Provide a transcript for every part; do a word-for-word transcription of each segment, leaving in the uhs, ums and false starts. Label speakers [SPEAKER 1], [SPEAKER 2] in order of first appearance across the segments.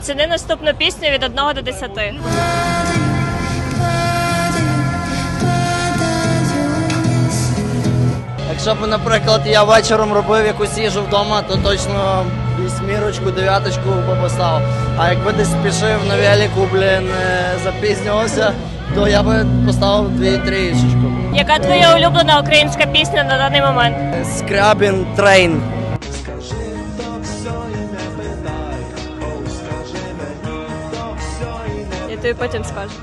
[SPEAKER 1] Ціни наступну пісню від одного до десяти.
[SPEAKER 2] Якщо б, наприклад, я вечором робив якусь їжу вдома, то точно вісьмірочку, дев'яточку би поставив. А якби десь спішив на велику, блін, е, запізнювався, то я би поставив дві-трішечку.
[SPEAKER 1] Яка твоя улюблена українська пісня на даний момент?
[SPEAKER 2] Скрябін Трейн.
[SPEAKER 1] Я тобі потім скажу.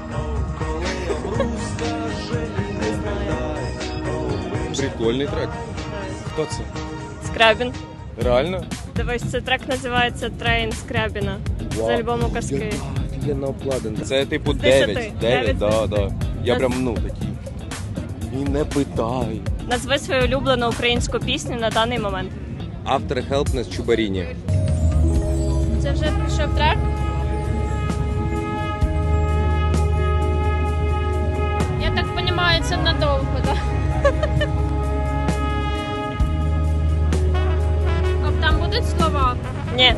[SPEAKER 3] Прикольний трек. Хто це?
[SPEAKER 1] Скрябін.
[SPEAKER 3] Реально?
[SPEAKER 1] Дивись, цей трек називається «Трейн» Скрябіна з альбому «Казки».
[SPEAKER 3] Офігенно обкладений. Це типу
[SPEAKER 1] З десяти.
[SPEAKER 3] дев'ять.
[SPEAKER 1] Дев'ять
[SPEAKER 3] дев'ять,
[SPEAKER 1] з
[SPEAKER 3] да, да. Я прям, ну, такий. І не питай.
[SPEAKER 1] Назви свою улюблену українську пісню на даний момент.
[SPEAKER 3] Автор Helpless Чубаріні.
[SPEAKER 1] Це вже прийшов трек?
[SPEAKER 4] Я так розумію, це надовго, так? А там будуть слова?
[SPEAKER 1] Ні.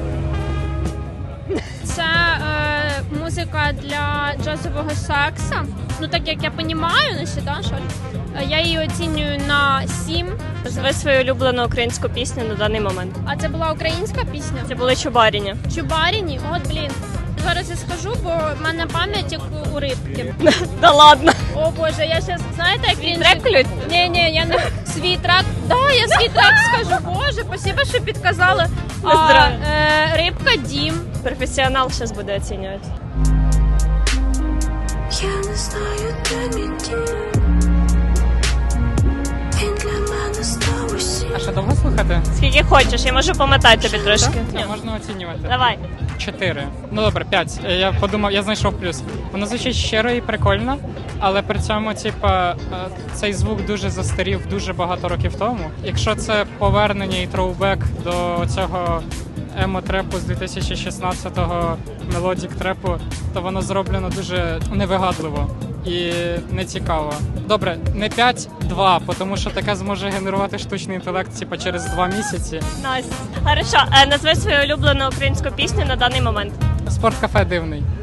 [SPEAKER 4] Це е, музика для джазового сексу. Ну так як я розумію, ну ще, да, що е, я її оцінюю на сім.
[SPEAKER 1] Назви свою улюблену українську пісню на даний момент.
[SPEAKER 4] А це була українська пісня?
[SPEAKER 1] Це були Чубаріні.
[SPEAKER 4] Чубаріні? От, блін. Зараз я скажу, бо в мене пам'ять як у рибки.
[SPEAKER 1] Да ладно.
[SPEAKER 4] О боже, я зараз, знаєте, як він...
[SPEAKER 1] Трек клють?
[SPEAKER 4] Ні, ні, я не свій трек. Да, я свій трек скажу. Боже, спасибо, що підказали. А,
[SPEAKER 1] Поздравляю.
[SPEAKER 4] е, рибка Дім.
[SPEAKER 1] Професіонал зараз буде оцінювати.
[SPEAKER 5] Я не знаю, де мій дім. Він для мене став усім.
[SPEAKER 6] А що, довго слухати?
[SPEAKER 1] Скільки хочеш, я можу помотати тобі трошки.
[SPEAKER 6] Так, можна оцінювати.
[SPEAKER 1] Давай.
[SPEAKER 6] Чотири. Ну добре, п'ять. Я подумав, я знайшов плюс. Воно звучить щиро і прикольно, але при цьому, типа, е, цей звук дуже застарів дуже багато років тому. Якщо це повернення і троубек до цього емо-трепу з дві тисячі шістнадцятого мелодік трепу, то воно зроблено дуже невигадливо і нецікаво. Добре, не п'ять, два, тому що таке зможе генерувати штучний інтелект типа через два місяці.
[SPEAKER 1] Найс. Хорошо, е, назви свою улюблену українську пісню на даний момент.
[SPEAKER 6] Спорткафе дивний.